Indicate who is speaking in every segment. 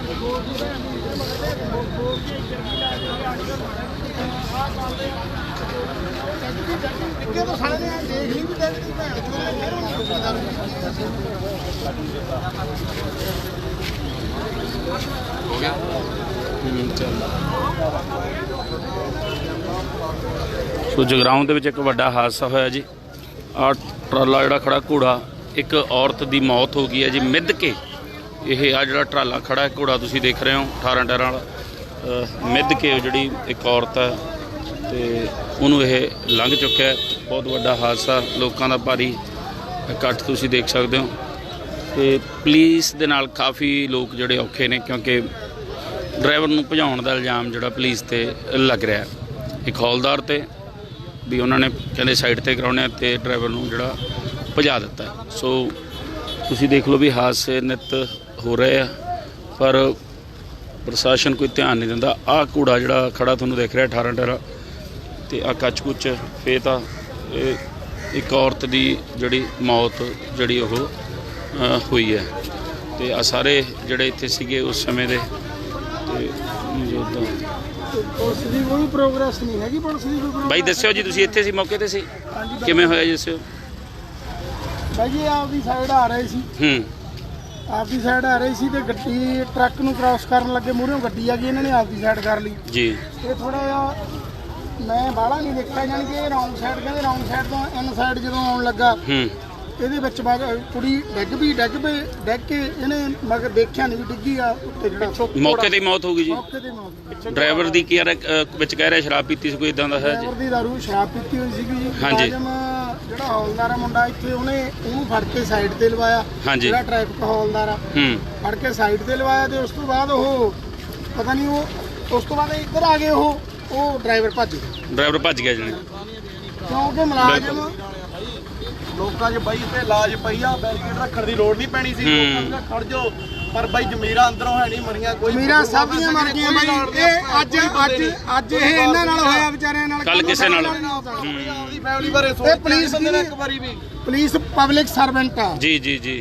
Speaker 1: हो गया सो जगराऊं दे विच एक वड्डा हादसा होया जी। आ ट्राला जिहड़ा खड़ा घोड़ा, एक औरत की मौत हो गई है जी मिध के। यह आ जिहड़ा ट्राला खड़ा है घोड़ा तुसीं देख रहे हो 18 टायरां वाला मिध के जिहड़ी एक औरत है तो उन्होंने यह लंघ चुका है। बहुत वड्डा हादसा, लोगों का भारी इकट्ठ तुसीं देख सकते हो। तो पुलिस दे नाल काफ़ी लोग जिहड़े औखे ने क्योंकि ड्राइवर नूं भजाउण दा इल्जाम जिहड़ा पुलिस ते लग रहा है। एक हौलदार ते भी उन्होंने कहते साइड ते कराने ते ड्राइवर नूं जिहड़ा भजा दिता है। सो तुसीं देख लो भी हादसे नित हो रहे हैं पर प्रशासन कोई ध्यान नहीं दिंदा। आ कूड़ा जिहड़ा खड़ा तुहानूं देख रहा 18 टायरा ते आ कच कुच फेता एक औरत की जिहड़ी मौत जिहड़ी ओह हुई है। तो आ सारे जिहड़े इत्थे सीगे उस समय दे भाई दस्यो जी तुसीं इत्थे सी मौके ते सी किवें होया जी दस्यो
Speaker 2: भाई जी आपकी साइड आ रहे सी आपकी साइड आ रही सी ते गड्डी ट्रक नूं क्रॉस करन लगे मूहरों गड्डी आ गई इन्हां ने आपकी साइड कर ली
Speaker 1: जी।
Speaker 2: ये थोड़ा जिहा मैं बाहला नहीं देखा जानी कि रौंग साइड कहते रौंग साइड तो इन साइड जो आउण लगा ਇਹਦੇ ਵਿੱਚ ਕੁੜੀ ਡਿੱਗ ਕੇ ਇਹਨੇ ਮਗਰ ਦੇਖਿਆ ਨਹੀਂ ਵੀ ਡਿੱਗੀ ਆ ਉੱਤੇ ਜਿਹੜਾ
Speaker 1: ਮੌਕੇ ਤੇ ਮੌਤ ਹੋ ਗਈ ਜੀ।
Speaker 2: ਮੌਕੇ ਤੇ ਮੌਤ।
Speaker 1: ਡਰਾਈਵਰ ਦੀ ਕੀ ਵਿੱਚ ਕਹਿ ਰਿਹਾ ਸ਼ਰਾਬ ਪੀਤੀ ਸੀ ਕੋਈ ਇਦਾਂ ਦਾ ਹੈ ਜੀ।
Speaker 2: ਡਰਾਈਵਰ ਦੀ ਦਾਰੂ ਸ਼ਰਾਬ ਪੀਤੀ ਹੋਈ ਸੀਗੀ ਜੀ।
Speaker 1: ਹਾਂਜੀ।
Speaker 2: ਜਿਹੜਾ ਹੌਲਦਾਰ ਆ ਮੁੰਡਾ ਇੱਥੇ ਉਹਨੂੰ ਫੜ ਕੇ ਸਾਈਡ ਤੇ ਲਵਾਇਆ। ਜਿਹੜਾ ਟ੍ਰੈਫਿਕ ਹੌਲਦਾਰ ਆ ਫੜ ਕੇ ਸਾਈਡ ਤੇ ਲਵਾਇਆ ਤੇ ਉਸ ਤੋਂ ਬਾਅਦ ਉਹ ਪਤਾ ਨਹੀਂ ਉਹ ਉਸ ਤੋਂ ਬਾਅਦ ਇੱਧਰ ਆ ਗਏ ਉਹ ਡਰਾਈਵਰ ਭੱਜ
Speaker 1: ਗਿਆ ਜਣੇ
Speaker 2: ਕਿਉਂਕਿ ਮੁਲਾਜ਼ਮ
Speaker 3: ਲੋਕਾਂ 'ਚ ਬਾਈ ਤੇ ਲਾਜ ਪਈ ਆ ਬੈਰੀਕੇਡ ਰੱਖਣ ਦੀ ਲੋੜ ਨਹੀਂ ਪੈਣੀ ਸੀ। ਲੋਕਾਂ ਖੜ ਜਾਓ ਪਰ ਬਾਈ ਜ਼ਮੀਰਾਂ ਅੰਦਰੋਂ ਹੈ ਨਹੀਂ ਮਰੀਆਂ ਕੋਈ
Speaker 2: ਜ਼ਮੀਰਾਂ ਸਭ ਦੀਆਂ ਮਰ ਗਈਆਂ ਬਾਈ। ਇਹ ਅੱਜ ਇਹ ਇਹਨਾਂ ਨਾਲ ਹੋਇਆ ਵਿਚਾਰਿਆਂ ਨਾਲ
Speaker 1: ਕੱਲ ਕਿਸੇ ਨਾਲ
Speaker 3: ਆਪਣੀ ਫੈਮਿਲੀ ਬਾਰੇ ਸੋਚ
Speaker 2: ਪੁਲਿਸ
Speaker 3: ਬੰਦੇ ਨੇ ਇੱਕ ਵਾਰੀ ਵੀ
Speaker 2: ਪੁਲਿਸ ਪਬਲਿਕ ਸਰਵੈਂਟ ਆ
Speaker 1: ਜੀ ਜੀ ਜੀ।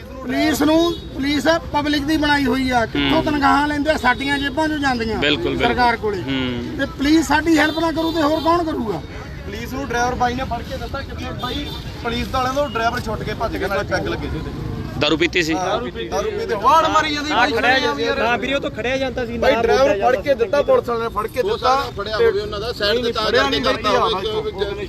Speaker 2: ਪੁਲਿਸ ਪਬਲਿਕ ਦੀ ਬਣਾਈ ਹੋਈ ਆ। ਕਿੱਥੋਂ ਤਨਖਾਹਾਂ ਲੈਂਦੇ ਸਾਡੀਆਂ ਜੇਬਾਂ 'ਚੋਂ ਜਾਂਦੀਆਂ ਸਰਕਾਰ ਕੋਲੇ ਤੇ ਪੁਲਿਸ ਸਾਡੀ ਹੈਲਪ ਨਾ ਕਰੂ ਤੇ ਹੋਰ ਕੌਣ ਕਰੂਗਾ।
Speaker 3: ਪੁਲਿਸ ਨੂੰ ਡਰਾਈਵਰ ਬਾਈ ਨੇ ਫੜ ਕੇ ਦਿੱਤਾ ਕਿੱਥੇ ਬਾਈ ਪੁਲਿਸ ਵਾਲਿਆਂ ਤੋਂ ਡਰਾਈਵਰ ਛੁੱਟ ਕੇ ਭੱਜ ਗਿਆ ਨਾਲੇ ਪੈਗ ਲੱਗੇ ਸੀ ਉਹਦੇ।
Speaker 1: ਦਾਰੂ ਪੀਤੀ ਸੀ
Speaker 3: ਦਾਰੂ ਪੀਤੇ ਵਾੜ ਮਾਰੀ ਜਾਂਦੀ ਬਾਈ ਖੜਿਆ ਜਾਂਦੀ
Speaker 4: ਨਾ ਵੀਰੇ ਉਹ ਤਾਂ ਖੜਿਆ ਜਾਂਦਾ ਸੀ
Speaker 3: ਬਾਈ ਡਰਾਈਵਰ ਫੜ ਕੇ ਦਿੱਤਾ ਪੁਲਿਸ ਵਾਲਿਆਂ ਨੇ ਫੜ ਕੇ ਦਿੱਤਾ
Speaker 5: ਫੜਿਆ ਹੋਵੇ ਉਹਨਾਂ ਦਾ ਸਾਈਡ ਤੇ ਤਾਂ ਕਰਕੇ ਕਰਤਾ ਹੋਵੇ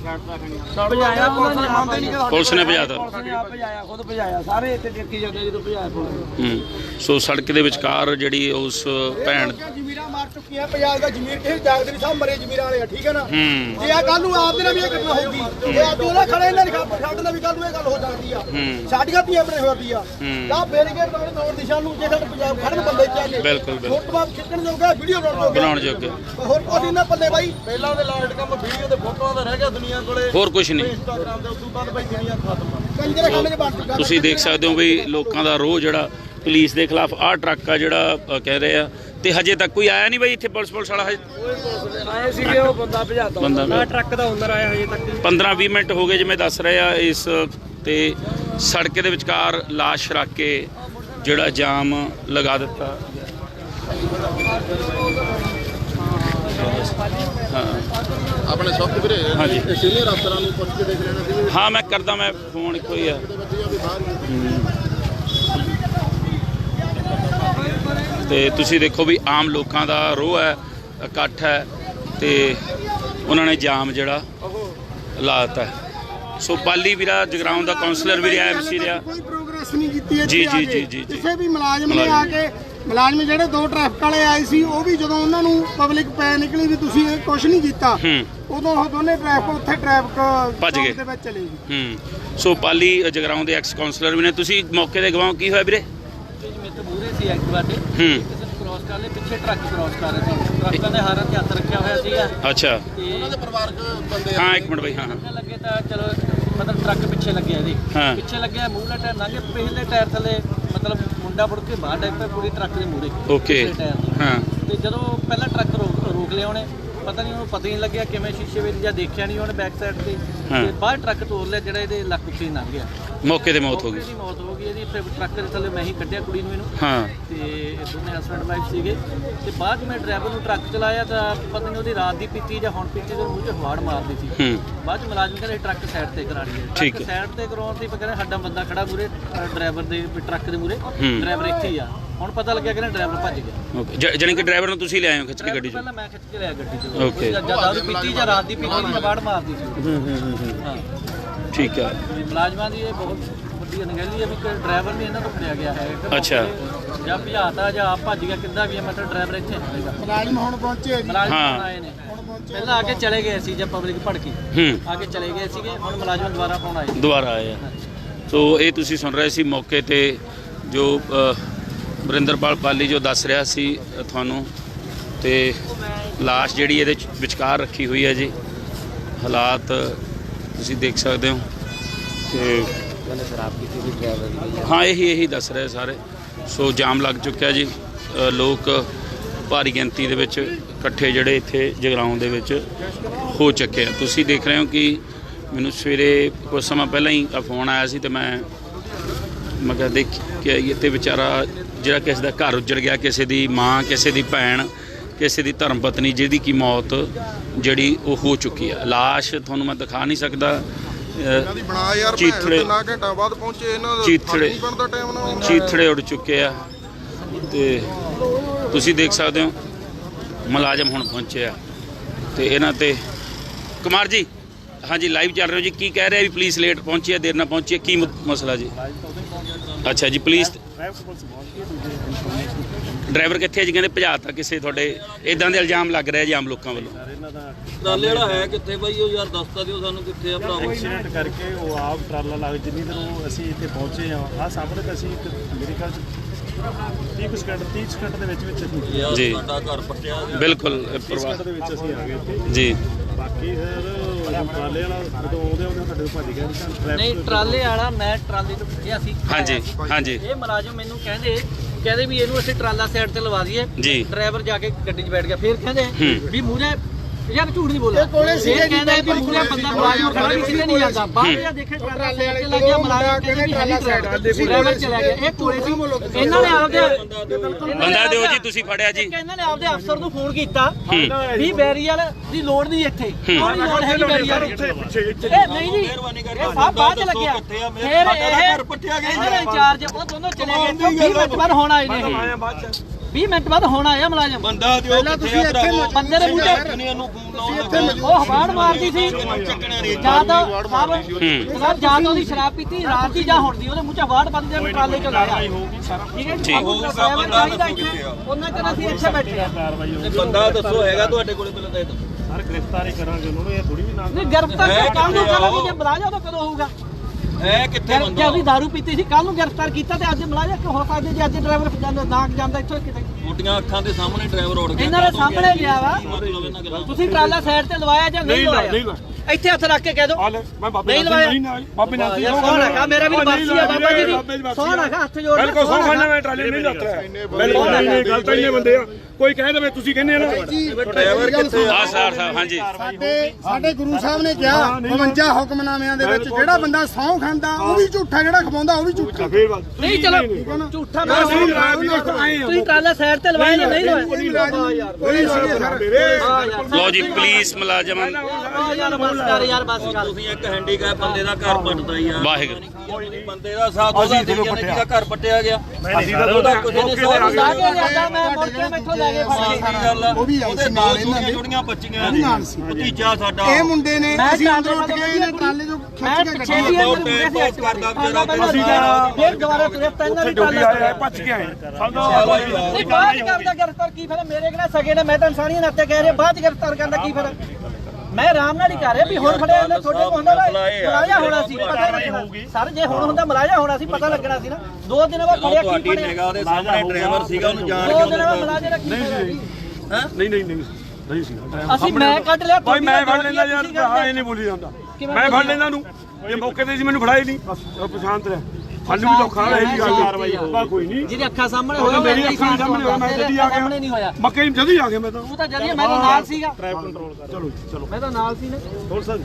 Speaker 3: ਭਜਾਇਆ ਪੁਲਿਸ ਨੇ ਮੰਨਦੇ ਨਹੀਂ ਕਿ
Speaker 1: ਪੁਲਿਸ ਨੇ ਭਜਾਤਾ
Speaker 4: ਭਜਾਇਆ ਖੁਦ ਭਜਾਇਆ ਸਾਰੇ ਇੱਥੇ ਦੇਖੀ ਜਾਂਦੇ ਜਦੋਂ ਭਜਾਇਆ ਪੁਲਿਸ।
Speaker 1: ਸੋ ਸੜਕ ਦੇ ਵਿਚਕਾਰ ਜਿਹੜੀ ਉਸ ਭੈਣ
Speaker 2: ਜ਼ਮੀਰਾਂ ਮਾਰ ਚੁੱਕੀ ਆ। ਪੰਜਾਬ ਦਾ ਜ਼ਮੀਰ ਕਿਸੇ ਜਾਗਦੇ ਨਹੀਂ ਸਭ ਮਰੇ ਜ਼ਮੀਰਾਂ ਵਾਲੇ ਆ ਠੀਕ ਹੈ ਨਾ। ਜੇ ਆ ਕੱਲ ਨੂੰ ਆਪ ਦੇ ਨਾਲ ਵੀ ਇਹ ਘਟਨਾ ਹੋਊਗੀ ਇਹ ਅੱਜ ਉਹਨਾਂ ਖੜੇ ਇਹਨਾਂ ਦੀ ਸਾਡੇ ਨਾਲ ਵੀ ਕੱਲ ਨੂੰ ਇਹ ਗੱਲ ਹੋ ਸਕਦੀ ਆ। ਸਾਡੀਆਂ ਧੀਆਂ ਬਣੇ ਹੋਈ ਆ ਤਾਂ ਬੈਰੀਕੇਡ ਲਾਉਣ ਦੌੜ ਦਿਸ਼ਾ ਨੂੰ ਜੇ ਸਾਡੇ ਪੰਜਾਬ ਖੜਨ ਬੰਦੇ ਚਾਹੀਦੇ
Speaker 1: ਬਿਲਕੁਲ
Speaker 2: ਫੋਟੋਆਂ ਖਿੱਚਣ ਜੋਗਾ ਵੀਡੀਓ
Speaker 1: ਬਣਾਉਣ ਜੋਗੇ
Speaker 2: ਹੋਰ ਕੁਝ ਨਾ ਪੱਲੇ ਬਾਈ।
Speaker 3: ਪਹਿਲਾਂ ਦੇ ਲਾਸਟ ਕੰਮ ਵੀਡੀਓ ਤੇ ਫੋਟੋਆਂ ਦਾ ਰਹਿ ਗਿਆ ਦੁਨੀਆ ਕੋਲੇ
Speaker 1: ਹੋਰ ਕੁਝ ਨਹੀਂ।
Speaker 3: ਇੰਸਟਾਗ੍ਰਾਮ ਦੇ ਉਸ ਤੋਂ ਬਾਅਦ ਬਾਈ ਦੁਨੀਆ ਖਤਮ।
Speaker 2: ਕੰਜਰੇ ਖਾਣੇ 'ਚ ਬਣ ਚੁੱਕਾ।
Speaker 1: ਤੁਸੀਂ ਦੇਖ ਸਕਦੇ ਹੋ ਵੀ ਲੋਕਾਂ ਦਾ ਰੋਹ ਜਿਹੜਾ ਪੁਲਿਸ ਦੇ ਖਿਲਾਫ ਆਹ ਟਰੱਕ ਆ ਜਿਹੜਾ ਕਹਿ ਰਹੇ ਆ ਤੇ ਹਜੇ ਤੱਕ ਕੋਈ ਆਇਆ ਨਹੀਂ ਬਾਈ ਇੱਥੇ ਪੁਲਿਸ ਵਾਲਾ ਹਜੇ
Speaker 4: ਆਏ ਸੀਗੇ ਉਹ ਬੰਦਾ ਭਜਾਤਾ ਨਾ ਟਰੱਕ ਦਾ ਓਨਰ ਆਇਆ ਹਜੇ ਤੱਕ
Speaker 1: 15-20 ਮਿੰਟ ਹੋ ਗਏ ਜਿਵੇਂ ਦੱਸ ਰਹੇ ਆ ਇਸ ਤੇ ਸੜਕ ਦੇ ਵਿਚਕਾਰ ਲਾਸ਼ ਰੱਖ ਕੇ ਜਿਹੜਾ ਜਾਮ ਲਗਾ ਦਿੱਤਾ।
Speaker 5: ਆਪਣੇ ਸਭ ਵੀਰੇ
Speaker 1: ਹਾਂਜੀ
Speaker 5: ਸੀਨੀਅਰ ਅਫਸਰਾਂ ਨੂੰ ਪੁੱਛ ਕੇ ਦੇਖ ਲੈਣਾ ਸੀ।
Speaker 1: ਹਾਂ ਮੈਂ ਕਰਦਾ ਮੈਂ ਫੋਨ ਇੱਕੋ ਹੀ ਆ। ਤੇ ਤੁਸੀਂ ਦੇਖੋ ਵੀ ਆਮ ਲੋਕਾਂ ਦਾ ਰੋਹ ਹੈ ਇਕੱਠ ਹੈ ਤੇ ਉਹਨਾਂ ਨੇ ਜਾਮ ਜਿਹੜਾ ਲਾ ਦਿੱਤਾ। ਸੋ ਪਾਲੀ ਵੀਰਾ ਜਗਰਾਉਂ ਦਾ ਕਾਉਂਸਲਰ ਵੀ ਰਿਹਾ ਐਮਸੀ ਰਿਹਾ
Speaker 2: ਕੋਈ ਪ੍ਰੋਗਰੈਸ ਨਹੀਂ ਕੀਤੀ ਹੈ
Speaker 1: ਜੀ ਜੀ ਜੀ ਜੀ
Speaker 2: ਕਿਸੇ ਵੀ ਮੁਲਾਜ਼ਮ ਨੇ ਆ ਕੇ ਮੁਲਾਜ਼ਮ ਜਿਹੜੇ ਦੋ ਟ੍ਰੈਫਿਕ ਵਾਲੇ ਆਏ ਸੀ ਉਹ ਵੀ ਜਦੋਂ ਉਹਨਾਂ ਨੂੰ ਪਬਲਿਕ ਪੈ ਨਿਕਲੀ ਵੀ ਤੁਸੀਂ ਇਹ ਕੁਝ ਨਹੀਂ ਕੀਤਾ ਉਦੋਂ ਉਹ ਦੋਨੇ ਟ੍ਰੈਫਿਕ
Speaker 1: ਭੱਜ ਗਏ
Speaker 2: ਦੇ ਵਿੱਚ ਚਲੇ ਗਏ।
Speaker 1: ਸੋ ਪਾਲੀ ਜਗਰਾਉਂ ਦੇ ਐਕਸ ਕਾਉਂਸਲਰ ਵੀ ਨੇ। ਤੁਸੀਂ ਮੌਕੇ ਤੇ ਗਵਾਓ ਕੀ ਹੋਇਆ ਵੀਰੇ?
Speaker 4: ਮੇਰੇ ਤੋਂ ਮੂਹਰੇ ਸੀ ਐਕਟਿਵਾ ਤੇ ਕਿਸੇ ਨੂੰ ਕ੍ਰਾਸ ਕਰ ਲਏ ਪਿੱਛੇ ਟਰੱਕ ਕ੍ਰਾਸ ਕਰ ਰਿਹਾ ਸੀ ਟਰੱਕਾਂ ਦੇ ਹਾਰਾਂ ਤੇ ਹੱਥ ਰੱਖਿਆ ਹੋਇਆ ਸੀਗਾ।
Speaker 1: ਅੱਛਾ
Speaker 5: ਉਹਨਾਂ ਦੇ ਪਰਿਵਾਰਕ ਬੰਦੇ
Speaker 1: ਹਾਂ ਇੱਕ ਮਿੰਟ ਬਾਈ ਹਾਂ
Speaker 4: ਲੱਗੇ ਤਾਂ ਚਲੋ ਮਤਲਬ ਟਰੱਕ ਪਿੱਛੇ ਲੱਗਿਆ ਇਹਦੇ ਪਿੱਛੇ ਲੱਗਿਆ ਮੂਹਰੇ ਟਾਇਰ ਲੰਘੇ ਪਿਛਲੇ ਟਾਇਰ ਥੱਲੇ ਮਤਲਬ ਮੁੰਡਾ ਮੁੜ ਕੇ ਬਾਹਰ ਡਿੱਗ ਪਿਆ ਪੂਰੀ ਟਰੱਕ ਦੇ ਮੂਹਰੇ
Speaker 1: ਓਕੇ
Speaker 4: ਹਾਂ। ਤੇ ਜਦੋਂ ਪਹਿਲਾਂ ਟਰੱਕ ਰੋਕ ਲਿਆ ਉਹਨੇ ਪਤਾ ਨਹੀਂ ਉਹਨੂੰ ਪਤਾ ਹੀ ਨਹੀਂ ਲੱਗਿਆ ਕਿਵੇਂ ਸ਼ੀਸ਼ੇ ਵਿੱਚ ਜਾਂ ਦੇਖਿਆ ਨਹੀਂ ਉਹਨੇ ਬੈਕ ਸਾਈਡ ਤੇ ਬਾਹਰ ਟਰੱਕ ਤੋੜ ਲਿਆ ਜਿਹੜਾ ਇਹਦੇ ਲੱਕ ਉੱਤੇ ਲੰਘ ਗਿਆ।
Speaker 1: ਮੌਕੇ ਤੇ ਮੌਤ ਹੋ ਗਈ।
Speaker 4: ਇਹਦੀ ਮੌਤ ਹੋ ਗਈ। ਇਹਦੀ ਟਰੱਕ ਦੇ ਥੱਲੇ ਮੈਂ ਹੀ ਕੱਢਿਆ ਕੁੜੀ ਨੂੰ ਇਹਨੂੰ।
Speaker 1: ਹਾਂ
Speaker 4: ਤੇ ਇਹ ਦੋਨੇ ਹਸਬੈਂਡ ਵਾਈਫ ਸੀਗੇ ਤੇ ਬਾਅਦ ਮੈਂ ਡਰਾਈਵਰ ਨੂੰ ਟਰੱਕ ਚਲਾਇਆ ਤਾਂ ਪਤਾ ਨਹੀਂ ਉਹਦੀ ਰਾਤ ਦੀ ਪੀਤੀ ਜਾਂ ਹੁਣ ਪੀਤੀ ਦੇ ਮੂੰਹ 'ਚ ਹਵਾੜ ਮਾਰਦੀ ਸੀ। ਬਾਅਦ 'ਚ ਮੁਲਾਜ਼ਮ ਕਹਿੰਦੇ ਟਰੱਕ ਸਾਈਡ ਤੇ ਕਰਾ ਲਈਏ। ਟਰੱਕ ਸਾਈਡ ਤੇ ਕਰਾਉਣ ਦੀ ਕਹਿੰਦੇ ਸਾਡਾ ਬੰਦਾ ਖੜਾ ਮੂਰੇ ਡਰਾਈਵਰ ਦੇ ਟਰੱਕ ਦੇ ਮੂਰੇ, ਡਰਾਈਵਰ ਇੱਥੇ ਹੀ ਆ। ਹੁਣ ਪਤਾ ਲੱਗਿਆ ਕਿ ਡਰਾਈਵਰ ਭੱਜ ਗਿਆ।
Speaker 1: ਓਕੇ ਜਾਨੀ ਕਿ ਡਰਾਈਵਰ ਨੂੰ ਤੁਸੀਂ ਲਿਆਏ ਹੋ ਖਿੱਚ ਕੇ ਗੱਡੀ 'ਚ?
Speaker 4: ਪਹਿਲਾਂ ਮੈਂ ਖਿੱਚ ਕੇ ਲਿਆ ਗੱਡੀ 'ਚ। ਓਕੇ ਜਾਂ ਦਾਰੂ ਪੀਤੀ ਜਾਂ ਰਾਤ ਦੀ ਪੀਤੀ ਦੀ ਹਵਾੜ ਮਾਰਦੀ ਸੀ। ਹਾਂ
Speaker 1: ਠੀਕ ਹੈ।
Speaker 4: ਮੁਲਾਜ਼ਮਾਂ ਦੀ ਇਹ ਬਹੁਤ ਵੱਡੀ ਅਣਗਹਿਲੀ ਹੈ ਵੀ ਡਰਾਈਵਰ ਨਹੀਂ ਇਹਨਾਂ ਤੋਂ ਫੜਿਆ ਗਿਆ ਹੈ।
Speaker 1: ਅੱਛਾ
Speaker 4: ਜਾਂ ਭਜਾਤਾ ਜਾਂ ਆਪ ਭੱਜ ਗਿਆ ਕਿੱਦਾਂ ਵੀ ਮਤਲਬ ਡਰਾਈਵਰ ਇੱਥੇ ਹੈਗਾ।
Speaker 2: ਮੁਲਾਜ਼ਮ ਹੁਣ ਪਹੁੰਚੇ ਜੀ।
Speaker 4: ਮੁਲਾਜ਼ਮ ਆਏ ਨੇ ਪਹਿਲਾਂ ਆ ਕੇ ਚਲੇ ਗਏ ਸੀ ਜਦ ਪਬਲਿਕ ਭੜਕੀ ਆ ਕੇ ਚਲੇ ਗਏ ਸੀਗੇ। ਹੁਣ ਮੁਲਾਜ਼ਮ ਦੁਬਾਰਾ ਫੋਨ ਆਏ
Speaker 1: ਦੁਬਾਰਾ ਆਏ ਆ। ਸੋ ਇਹ ਤੁਸੀਂ ਸੁਣ ਰਹੇ ਸੀ ਮੌਕੇ ਤੇ ਜੋ ਵਰਿੰਦਰਪਾਲ ਪਾਲੀ ਜੋ ਦੱਸ ਰਿਹਾ ਸੀ ਤੁਹਾਨੂੰ, ਤੇ ਲਾਸ਼ ਜਿਹੜੀ ਇਹਦੇ ਵਿਚਕਾਰ ਰੱਖੀ ਹੋਈ ਹੈ ਜੀ। ਹਾਲਾਤ ਤੁਸੀਂ ਦੇਖ ਸਕਦੇ ਹੋ ਤੇ ਹਾਂ ਇਹੀ ਦੱਸ ਰਹੇ ਸਾਰੇ। ਸੋ ਜਾਮ ਲੱਗ ਚੁੱਕਿਆ ਜੀ। ਲੋਕ ਭਾਰੀ ਗਿਣਤੀ ਦੇ ਵਿੱਚ ਇਕੱਠੇ ਜਿਹੜੇ ਇੱਥੇ ਜਗਰਾਉਂ ਦੇ ਵਿੱਚ ਹੋ ਚੁੱਕੇ ਆ। ਤੁਸੀਂ ਦੇਖ ਰਹੇ ਹੋ ਕਿ ਮੈਨੂੰ ਸਵੇਰੇ ਕੁਝ ਸਮਾਂ ਪਹਿਲਾਂ ਹੀ ਫੋਨ ਆਇਆ ਸੀ ਤੇ ਮੈਂ ਕਿਹਾ ਦੇਖ ਕੇ ਇੱਥੇ ਵਿਚਾਰਾ ਜਿਹੜਾ ਕਿਸੇ ਦਾ ਘਰ ਉੱਜੜ ਗਿਆ, ਕਿਸੇ ਦੀ ਮਾਂ, ਕਿਸੇ ਦੀ ਭੈਣ, ਕਿਸੇ ਦੀ ਧਰਮ ਪਤਨੀ ਜਿਹਦੀ ਕੀ ਮੌਤ ਜਿਹੜੀ ਉਹ ਹੋ ਚੁੱਕੀ ਆ। ਲਾਸ਼ ਤੁਹਾਨੂੰ ਮੈਂ ਦਿਖਾ ਨਹੀਂ ਸਕਦਾ। ਚੀਥੜੇ ਉੱਡ ਚੁੱਕੇ ਆ ਤੇ ਤੁਸੀਂ ਦੇਖ ਸਕਦੇ ਹੋ ਮੁਲਾਜ਼ਮ ਹੁਣ ਪਹੁੰਚੇ ਆ ਤੇ ਇਹਨਾਂ ਤੇ ਕੁਮਾਰ ਜੀ ਹਾਂਜੀ ਲਾਈਵ ਚੱਲ ਰਹੇ ਹੋ ਜੀ। ਕੀ ਕਹਿ ਰਿਹਾ ਵੀ ਪੁਲਿਸ ਲੇਟ ਪਹੁੰਚੀ ਹੈ, ਦੇਰ ਨਾਲ ਪਹੁੰਚੀ ਹੈ, ਕੀ ਮਸਲਾ ਜੀ? ਅੱਛਾ ਜੀ ਪੁਲਿਸ ਡਰਾਈਵਰ ਕਿੱਥੇ ਜੀ? ਕਹਿੰਦੇ ਭਜਾਤਾ ਕਿਸੇ ਤੁਹਾਡੇ ਇਦਾਂ ਦੇ ਇਲਜ਼ਾਮ ਲੱਗ ਰਿਹਾ ਜੀ ਆਮ ਲੋਕਾਂ ਵੱਲੋਂ।
Speaker 6: ਟਰਾਲੇ ਵਾਲਾ ਹੈ ਕਿੱਥੇ ਬਾਈ? ਉਹ ਯਾਰ ਦੱਸਤਾ ਦਿਓ ਸਾਨੂੰ ਕਿੱਥੇ ਆ ਭਰਾ।
Speaker 7: ਐਕਸੀਡੈਂਟ ਕਰਕੇ ਉਹ ਆਪ ਟਰਾਲਾ ਲੱਗ ਜਿੰਨੀ ਦਿਨ ਅਸੀਂ ਇੱਥੇ ਪਹੁੰਚੇ ਆ ਆਹ ਸਾਹਮਣੇ ਤਾਂ ਅਸੀਂ ਮੇਰੇ ਖਿਆਲ 30 ਸਕਿੰਟ ਦੇ ਵਿੱਚ ਅਸੀਂ
Speaker 1: ਜੀ
Speaker 6: ਸਾਡਾ ਘਰ ਪੱਟਿਆ ਗਿਆ।
Speaker 1: ਬਿਲਕੁਲ
Speaker 7: ਸਕਿੰਟ ਦੇ ਵਿੱਚ ਅਸੀਂ ਆ ਗਏ ਇੱਥੇ
Speaker 1: ਜੀ।
Speaker 7: ਬਾਕੀ ਫਿਰ ਟਰਾਲੇ ਵਾਲਾ ਜਦੋਂ ਆਉਂਦੇ ਸਾਡੇ ਤੋਂ ਭੱਜ ਗਿਆ
Speaker 4: ਨਹੀਂ ਟਰਾਲੇ ਵਾਲਾ ਮੈਂ ਟਰਾਲੇ ਤੋਂ ਪੁੱਛਿਆ ਸੀ।
Speaker 1: ਹਾਂਜੀ
Speaker 4: ਇਹ ਮੁਲਾਜ਼ਮ ਮੈਨੂੰ ਕਹਿੰਦੇ ਵੀ ਇਹਨੂੰ ਅਸੀਂ ਟਰਾਲਾ ਸਾਈਡ ਤੇ ਲਵਾ ਦਈਏ। ਡਰਾਈਵਰ ਜਾ ਕੇ ਗੱਡੀ 'ਚ ਬੈਠ ਗਿਆ। ਫਿਰ ਕਹਿੰਦੇ ਵੀ ਮੂਹਰੇ ਯਾਰ ਝੂਠ ਨਹੀਂ ਬੋਲਿਆ। ਇਹ ਕਹਿੰਦਾ ਵੀ ਮੂਹਰੇ ਬੰਦਾ ਮੁਲਾਜ਼ਮ ਖੜਾ ਵੀ ਕਿਤੇ ਨਹੀਂ ਜਾਂਦਾ। ਬਾਹਰ ਜਾ ਦੇਖੇ ਟਰਾਲਾ ਸਾਈਡ ਤੇ ਲੱਗ ਗਿਆ। ਮੁਲਾਜ਼ਮ ਕਹਿੰਦੇ ਵੀ ਹੈਲੀ ਡਰਾਈਵਰ ਚਲਾ ਗਿਆ। ਇਹ ਕੋਲੇ ਸੀ। ਇਹਨਾਂ ਨੇ ਆਪਦੇ
Speaker 1: ਬੰਦਾ ਦਿਓ ਜੀ ਤੁਸੀਂ ਫੜਿਆ ਜੀ।
Speaker 4: ਇਹਨਾਂ ਨੇ ਆਪਦੇ ਅਫਸਰ ਨੂੰ ਫੋਨ ਕੀਤਾ ਵੀ ਬੈਰੀਅਰ ਦੀ ਲੋੜ ਨਹੀਂ ਇੱਥੇ। ਕੋਈ ਲੋੜ ਹੈ ਨਹੀਂ ਬੈਰੀਅਰ ਇਹ ਨਹੀਂ ਜੀ। ਇਹ ਸਭ ਬਾਅਦ ਲੱਗਿਆ। ਫਿਰ ਇਹ ਪੱਟਿਆ ਗਿਆ। ਇਹਨਾਂ ਦੇ ਇੰਚਾਰਜ ਉਹ ਦੋਨੋਂ ਚਲੇ ਗਏ। 20 ਮਿੰਟ ਬਾਅਦ ਹੁਣ ਆਏ ਨੇ। 20 ਮਿੰਟ ਬਾਅਦ ਹੁਣ ਆਇਆ ਮੁਲਾਜ਼ਮ।
Speaker 6: ਬੰਦਾ ਦਿਓ ਕਿੱਥੇ ਆ ਭਰਾ?
Speaker 4: ਬੰਦੇ ਦੇ ਮੂੰਹ ਉਹ ਹਵਾੜ ਮਾਰਦੀ ਸੀ। ਜਾਂ ਤਾਂ ਜਾਂ ਤਾਂ ਉਹਦੀ ਸ਼ਰਾਬ ਪੀਤੀ ਰਾਤ ਦੀ ਜਾਂ ਹੁਣ ਦੀ। ਉਹਦੇ ਮੂੰਹ 'ਚ ਹਵਾੜ ਬੰਦ ਜਾਂ ਟਰਾਲੇ 'ਚ ਲਾਇਆ। ਠੀਕ ਹੈ ਜੀ। ਉਹਨਾਂ ਚਿਰ ਅਸੀਂ ਇੱਥੇ ਬੈਠੇ ਆ।
Speaker 6: ਬੰਦਾ ਦੱਸੋ ਹੈਗਾ ਤੁਹਾਡੇ ਕੋਲੇ ਪਹਿਲਾਂ ਤਾਂ ਇਹ ਤਾਂ
Speaker 7: ਸਰ ਗ੍ਰਿਫਤਾਰੀ ਕਰਾਂਗੇ ਉਹਨੂੰ। ਇਹ ਥੋੜੀ ਵੀ ਨਾ
Speaker 4: ਨਹੀਂ ਗ੍ਰਿਫਤਾਰ ਕੱਲ ਨੂੰ ਕਰਾਂਗੇ। ਜੇ ਬੁਲਾ ਜਾ ਤਾਂ ਕਦੋਂ ਹੋਊਗਾ?
Speaker 6: ਹੈ ਕਿੱਥੇ ਬੰਦਾ?
Speaker 4: ਜੇ ਉਹਦੀ ਦਾਰੂ ਪੀਤੀ ਸੀ ਕੱਲ ਨੂੰ ਗ੍ਰਿਫਤਾਰ ਕੀਤਾ ਤੇ ਅੱਜ ਮੁਲਾਜ਼ਮ ਕਿਉਂ ਹੋ ਸਕਦੇ ਜੇ ਅੱਜ ਡਰਾਈਵਰ ਜਾਂਦਾ ਇੱਥੋਂ ਕਿਤੇ?
Speaker 6: ਛੋਟੀਆਂ ਅੱਖਾਂ ਦੇ ਸਾਹਮਣੇ ਡਰਾਈਵਰ ਉੜ ਗਿਆ।
Speaker 4: ਇਹਨਾਂ ਦੇ ਸਾਹਮਣੇ ਗਿਆ ਵਾ। ਤੁਸੀਂ ਟਰਾਲਾ ਸਾਈਡ ਤੇ ਲਵਾਇਆ ਜਾਂ ਨਹੀਂ ਲਵਾਇਆ? ਇੱਥੇ ਹੱਥ ਰੱਖ ਕੇ ਕਹਿ ਦਿਓ ਨਹੀਂ ਲਵਾਇਆ।
Speaker 7: ਬਾਬੇ ਨਾਲ
Speaker 4: ਸੋਹਣ ਹੈਗਾ ਮੇਰਾ ਵੀ ਵਾਸੀ ਆ ਬਾਬਾ ਜੀ ਦੀ। ਸੋਹਣ ਹੈਗਾ ਹੱਥ ਜੋੜ ਕੇ।
Speaker 7: ਬਿਲਕੁਲ ਸੋਹਣ ਮੈਂ ਟਰਾਲੇ ਨਹੀਂ ਲੱਤਰਾ। ਬਿਲਕੁਲ ਨਹੀਂ ਗੱਲ ਤਾਂ ਇੰਨੇ ਬੰਦੇ ਆ। ਕੋਈ ਕਹਿ ਦੇਵੇ ਤੁਸੀਂ ਕਹਿੰਦੇ ਨਾ
Speaker 6: ਡਰਾਈਵਰ ਕਿੱਥੇ ਆ?
Speaker 1: ਸਾਹਿਬ ਹਾਂਜੀ
Speaker 2: ਸਾਡੇ ਗੁਰੂ ਸਾਹਿਬ ਨੇ ਕਿਹਾ 52 ਹੁਕਮਨਾਮਿਆਂ ਦੇ ਵਿੱਚ ਜਿਹੜਾ ਬੰਦਾ ਸਹੁੰ ਖਾਂਦਾ ਉਹ ਵੀ ਝੂਠਾ, ਜਿਹੜਾ ਖਵਾਉਂਦਾ ਉਹ ਵੀ ਝੂਠਾ।
Speaker 4: ਨਹੀਂ ਚਲੋ ਝੂਠਾ ਤੁਸੀਂ ਟਰਾਲਾ ਸਾਈਡ ਤੇ ਲਵਾਇਆ ਜਾਂ ਨਹੀਂ ਲਵਾਇਆ?
Speaker 1: ਲਓ ਜੀ ਪੁਲਿਸ ਮੁਲਾਜ਼ਮਾਂ
Speaker 4: ਯਾਰ ਬਸ ਕਰ ਯਾਰ ਬਸ ਕਰ।
Speaker 6: ਤੁਸੀਂ ਇੱਕ ਹੈਂਡੀਕੈਪ ਬੰਦੇ ਦਾ ਘਰ ਪੱਟਦਾ ਯਾਰ।
Speaker 1: ਵਾਹਿਗੁਰੂ
Speaker 6: ਬੰਦੇ ਦਾ ਸਾਥ ਉਹਦਾ ਜਿਹਦਾ ਘਰ ਪੱਟਿਆ ਗਿਆ।
Speaker 7: ਅਸੀਂ ਤਾਂ ਉਹਦਾ ਕੁਝ
Speaker 4: ਲਾ ਕੇ ਲਿਆਦਾ ਮੈਂ ਮੁੜ ਕੇ ਮੈਥੋਂ ਲੈ ਕੇ
Speaker 2: ਉਹ ਵੀ
Speaker 6: ਉਹਦੇ ਨਾਲ ਜੁੜੀਆਂ ਬੱਚੀਆਂ ਭਤੀਜਾ ਸਾਡਾ।
Speaker 2: ਇਹ ਮੁੰਡੇ ਨੇ ਅਸੀਂ ਅੰਦਰ ਉੱਠ ਕੇ ਇਹਨੇ ਟਰਾਲੇ ਤੋਂ ਖਿੱਚ ਕੇ
Speaker 4: ਪਿੱਛੇ ਵੀ ਇਹ ਮੁੰਡੇ ਸੀ ਐਕਟ ਕਰਦਾ ਵਿਚਾਰਾ। ਫਿਰ ਦੁਬਾਰਾ ਤੁਰੇ ਪੈਣਾ ਵੀ ਟਰਾਲੇ
Speaker 7: ਭੱਜ ਕੇ ਆਏ।
Speaker 4: ਨਹੀਂ ਬਾਅਦ ਕਰਦਾ ਗ੍ਰਿਫਤਾਰ ਕੀ ਫਿਰ? ਮੇਰੇ ਕਿਹੜਾ ਸਗੇ ਨੇ, ਮੈਂ ਤਾਂ ਇਨਸਾਨੀਅਤ ਨਾਤੇ ਕਹਿ ਰਿਹਾ ਬਾਅਦ ਗ੍ਰਿਫਤਾਰ ਕਰਨ ਦਾ ਕੀ ਫਿਰ? ਮੈਂ ਆਰਾਮ ਨਾਲ ਹੀ ਕਰ ਰਿਹਾ ਵੀ ਹੁਣ ਫੜਿਆ ਇਹਨੇ ਤੁਹਾਡੇ ਕੋਲ ਹੁੰਦਾ ਮਲਾਇਆ ਹੋਣਾ ਸੀ ਪਤਾ ਲੱਗਣਾ। ਸਰ ਜੇ ਹੁਣ ਹੁੰਦਾ ਮਲਾਇਆ ਹੋਣਾ ਸੀ ਪਤਾ ਲੱਗਣਾ ਸੀ ਨਾ। 2 ਦਿਨਾਂ ਬਾਅਦ ਫੜਿਆ ਕੀ ਫੜਿਆ?
Speaker 6: ਨਿਗਾਹ ਦੇ ਸਾਹਮਣੇ ਡਰਾਈਵਰ ਸੀਗਾ ਉਹਨੂੰ ਜਾਣ
Speaker 4: 2 ਦਿਨਾਂ ਬਾਅਦ ਮਲਾਇਆ ਦਾ ਕੀ ਫੜਿਆ?
Speaker 7: ਨਹੀਂ ਸੀ
Speaker 4: ਅਸੀਂ ਮੈਂ ਕੱਢ ਲਿਆ
Speaker 7: ਭਾਈ ਮੈਂ ਫੜ ਲੈਂਦਾ ਯਾਰ। ਇਹ ਨਹੀਂ ਬੋਲੀ ਜਾਂਦਾ। ਮੈਂ ਫੜ ਲੈਂਦਾ ਨੂੰ। ਇਹ ਮੌਕੇ ਤੇ ਸੀ ਮੈਨੂੰ ਫੜਾਈ ਨਹੀਂ। ਬਸ ਪਛਾਣ ਤੇ ਸਾਨੂੰ ਵੀ ਧੋਖਾ ਹੈ ਜੀ ਕਾਰਵਾਈ ਹੋਊਗਾ ਕੋਈ ਨਹੀਂ
Speaker 4: ਜਿਹਦੀ ਅੱਖਾਂ ਸਾਹਮਣੇ ਹੋਇਆ
Speaker 7: ਮੇਰੀ ਅੱਖਾਂ ਸਾਹਮਣੇ ਹੋਇਆ ਮੈਂ ਜਦੀ ਆ ਗਿਆ
Speaker 4: ਨਹੀਂ ਹੋਇਆ
Speaker 7: ਮੱਕੇ ਜਦ ਹੀ ਆ ਗਿਆ ਮੈਂ ਤਾਂ
Speaker 4: ਉਹ ਤਾਂ ਜਦੀ ਮੈਂ ਤਾਂ ਨਾਲ ਸੀਗਾ
Speaker 7: ਟ੍ਰੈਫਿਕ ਕੰਟਰੋਲ ਕਰ ਚਲੋ ਚਲੋ
Speaker 4: ਮੈਂ ਤਾਂ ਨਾਲ ਸੀ ਨਾ
Speaker 7: ਹੋਰ ਸਰ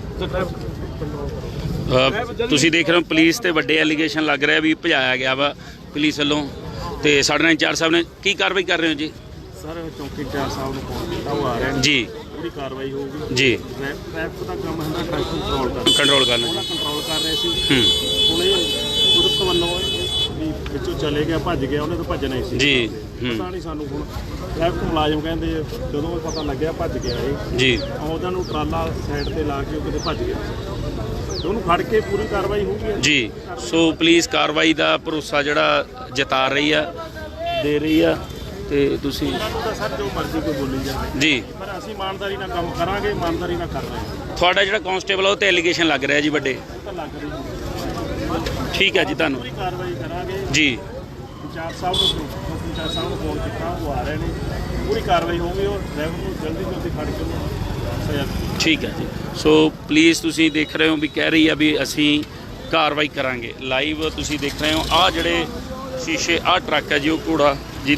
Speaker 1: ਤੁਸੀਂ ਦੇਖ ਰਹੇ ਹੋ ਪੁਲਿਸ ਤੇ ਵੱਡੇ ਐਲੀਗੇਸ਼ਨ ਲੱਗ ਰਿਹਾ ਵੀ ਭਜਾਇਆ ਗਿਆ ਵਾ ਪੁਲਿਸ ਵੱਲੋਂ ਤੇ ਸਾਡੇ ਨਾਲ ਇੰਚਾਰਜ ਸਾਹਿਬ ਨੇ ਕੀ ਕਾਰਵਾਈ ਕਰ ਰਹੇ ਹੋ ਜੀ
Speaker 7: ਸਰ ਚੌਕੀ ਇੰਚਾਰਜ ਸਾਹਿਬ ਨੂੰ ਫੋਨ ਕੀਤਾ ਉਹ ਆ ਰਹੇ ਨੇ
Speaker 1: ਜੀ
Speaker 7: ਪੂਰੀ ਕਾਰਵਾਈ ਹੋਊਗੀ
Speaker 1: ਜੀ
Speaker 7: ਟ੍ਰੈਫਿਕ ਦਾ ਕੰਮ ਹੁੰਦਾ ਟ੍ਰੈਫਿਕ
Speaker 1: ਕੰਟਰੋਲ ਕਰਨਾ
Speaker 7: ਉਹਨਾਂ ਕੰਟਰੋਲ ਕਰ ਰਹੇ ਸੀ ਹੁਣ ਇਹ ਪੁਲਿਸ ਵੱਲੋਂ ਵੀ ਵਿੱਚੋਂ ਚਲੇ ਗਿਆ ਭੱਜ ਗਿਆ ਉਹਨੇ ਤਾਂ ਭੱਜਣਾ ਹੀ ਸੀ
Speaker 1: ਜੀ
Speaker 7: ਪਤਾ ਨਹੀਂ ਸਾਨੂੰ ਹੁਣ ਟ੍ਰੈਫਿਕ ਮੁਲਾਜ਼ਮ ਕਹਿੰਦੇ ਜਦੋਂ ਇਹ ਪਤਾ ਲੱਗਿਆ ਭੱਜ ਗਿਆ ਇਹ
Speaker 1: ਜੀ
Speaker 7: ਉਹਨਾਂ ਨੂੰ ਟਰਾਲਾ ਸਾਈਡ ਤੇ ਲਾ ਕੇ ਉਹ ਕਿਤੇ ਭੱਜ ਗਿਆ ਤੇ ਉਹਨੂੰ ਫੜ ਕੇ ਪੂਰੀ ਕਾਰਵਾਈ ਹੋਊਗੀ
Speaker 1: ਜੀ ਸੋ ਪੁਲਿਸ ਕਾਰਵਾਈ ਦਾ ਭਰੋਸਾ ਜਿਹੜਾ ਜਤਾ ਰਹੀ ਆ ਦੇ ਰਹੀ ਆ ਤੇ ਤੁਸੀਂ
Speaker 7: ਇਹਨਾਂ ਤਾਂ ਸਰ ਜੋ ਮਰਜ਼ੀ ਕੋਈ ਬੋਲੀ ਜਾਵੇ
Speaker 1: ਜੀ
Speaker 7: ਪਰ ਅਸੀਂ ਇਮਾਨਦਾਰੀ ਨਾਲ ਕੰਮ ਕਰਾਂਗੇ ਇਮਾਨਦਾਰੀ ਨਾਲ ਕਰ ਰਹੇ ਹਾਂ
Speaker 1: ਤੁਹਾਡਾ ਜਿਹੜਾ ਕਾਂਸਟੇਬਲ ਆ ਉਹ ਤੇ ਐਲੀਗੇਸ਼ਨ ਲੱਗ ਰਿਹਾ ਜੀ ਵੱਡੇ
Speaker 7: ਉਹ ਤਾਂ ਲੱਗ ਰਹੀ ਹੈ
Speaker 1: ਠੀਕ ਹੈ ਜੀ ਤੁਹਾਨੂੰ
Speaker 7: ਪੂਰੀ ਕਾਰਵਾਈ ਕਰਾਂਗੇ
Speaker 1: ਜੀ
Speaker 7: ਇੰਚਾਰਜ ਸਾਹਿਬ ਨੂੰ ਇੰਚਾਰਜ ਸਾਹਿਬ ਨੂੰ ਫੋਨ ਕੀਤਾ ਉਹ ਆ ਰਹੇ ਨੇ ਪੂਰੀ ਕਾਰਵਾਈ ਹੋਊਗੀ ਉਹ ਡਰਾਈਵਰ ਨੂੰ ਜਲਦੀ ਫੜ ਕੇ ਉਹਨੂੰ ਸਜ਼ਾ
Speaker 1: ਠੀਕ ਹੈ ਜੀ ਸੋ ਪਲੀਜ਼ ਤੁਸੀਂ ਦੇਖ ਰਹੇ ਹੋ ਵੀ ਕਹਿ ਰਹੀ ਆ ਵੀ ਅਸੀਂ ਕਾਰਵਾਈ ਕਰਾਂਗੇ ਲਾਈਵ ਤੁਸੀਂ ਦੇਖ ਰਹੇ ਹੋ ਆਹ ਜਿਹੜੇ ਸ਼ੀਸ਼ੇ ਆਹ ਟਰੱਕ ਹੈ ਜੀ ਉਹ ਘੋੜਾ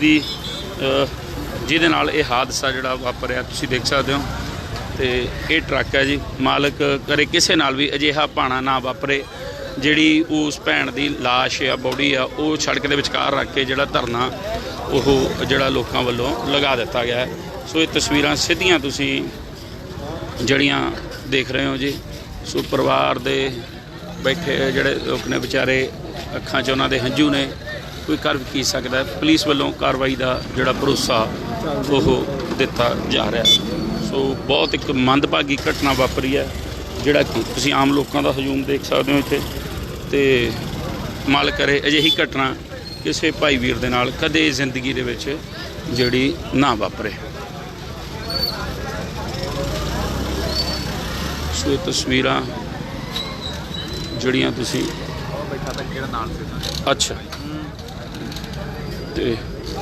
Speaker 1: ਜਿਹਦੇ ਨਾਲ ਇਹ ਹਾਦਸਾ ਜਿਹੜਾ ਵਾਪਰਿਆ ਤੁਸੀਂ ਦੇਖ ਸਕਦੇ ਹੋ ਤੇ ਇਹ ਟਰੱਕ ਹੈ ਜੀ ਮਾਲਕ ਕਰੇ ਕਿਸੇ ਨਾਲ ਵੀ ਅਜਿਹਾ ਭਾਣਾ ਨਾ ਵਾਪਰੇ ਜਿਹੜੀ ਉਸ ਭੈਣ ਦੀ ਲਾਸ਼ ਆ ਬੋਡੀ ਆ ਉਹ ਸੜਕ ਦੇ ਵਿਚਕਾਰ ਰੱਖ ਕੇ ਜਿਹੜਾ ਧਰਨਾ ਉਹ ਜਿਹੜਾ ਲੋਕਾਂ ਵੱਲੋਂ ਲਗਾ ਦਿੱਤਾ ਗਿਆ ਹੈ ਸੋ ਇਹ ਤਸਵੀਰਾਂ ਸਿੱਧੀਆਂ ਤੁਸੀਂ ਜਿਹੜੀਆਂ ਦੇਖ ਰਹੇ ਹੋ ਜੀ ਸੋ ਪਰਿਵਾਰ ਦੇ ਬੈਠੇ ਜਿਹੜੇ ਲੋਕ ਨੇ ਵਿਚਾਰੇ ਅੱਖਾਂ 'ਚ ਉਹਨਾਂ ਦੇ ਹੰਝੂ ਨੇ ਕੋਈ ਕਰ ਵੀ ਕੀ ਸਕਦਾ ਪੁਲਿਸ ਵੱਲੋਂ ਕਾਰਵਾਈ ਦਾ ਜਿਹੜਾ ਭਰੋਸਾ ਉਹ ਦਿੱਤਾ ਜਾ ਰਿਹਾ ਸੋ ਬਹੁਤ ਇੱਕ ਮੰਦਭਾਗੀ ਘਟਨਾ ਵਾਪਰੀ ਹੈ ਜਿਹੜਾ ਕਿ ਤੁਸੀਂ ਆਮ ਲੋਕਾਂ ਦਾ ਹਜੂਮ ਦੇਖ ਸਕਦੇ ਹੋ ਇੱਥੇ ਤੇ ਮਾਲਕ ਕਰੇ ਅਜਿਹੀ ਘਟਨਾ ਕਿਸੇ ਭਾਈ ਵੀਰ ਦੇ ਨਾਲ ਕਦੇ ਜ਼ਿੰਦਗੀ ਦੇ ਵਿੱਚ ਜਿਹੜੀ ਨਾ ਵਾਪਰੇ ਸੋ ਇਹ ਤਸਵੀਰਾਂ ਜਿਹੜੀਆਂ ਤੁਸੀਂ
Speaker 5: ਬੈਠਾ ਤਾਂ ਜਿਹੜਾ ਨਾਲ ਸੀ
Speaker 1: ਅੱਛਾ ਤੇ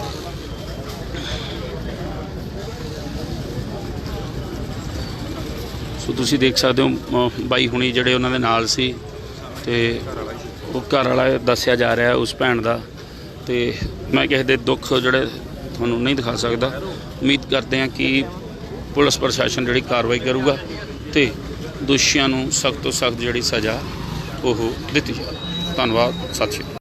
Speaker 1: ਸੋ ਤੁਸੀਂ ਦੇਖ ਸਕਦੇ ਹੋ ਬਾਈ ਹੁਣੀ ਜਿਹੜੇ ਉਹਨਾਂ ਦੇ ਨਾਲ ਸੀ ਤੇ ਉਹ ਘਰ ਵਾਲਾ ਦੱਸਿਆ ਜਾ ਰਿਹਾ ਉਸ ਭੈਣ ਦਾ ਤੇ ਮੈਂ ਕਿਸੇ ਦੇ ਦੁੱਖ ਜਿਹੜੇ ਤੁਹਾਨੂੰ ਨਹੀਂ ਦਿਖਾ ਸਕਦਾ ਉਮੀਦ ਕਰਦੇ ਹਾਂ ਕਿ ਪੁਲਿਸ ਪ੍ਰਸ਼ਾਸਨ ਜਿਹੜੀ ਕਾਰਵਾਈ ਕਰੂਗਾ ਤੇ ਦੋਸ਼ੀਆਂ ਨੂੰ ਸਖਤ ਤੋਂ ਸਖਤ ਜਿਹੜੀ ਸਜ਼ਾ ਉਹ ਦਿੱਤੀ ਜਾਵੇ ਧੰਨਵਾਦ ਸਤਿ ਸ਼੍ਰੀ ਅਕਾਲ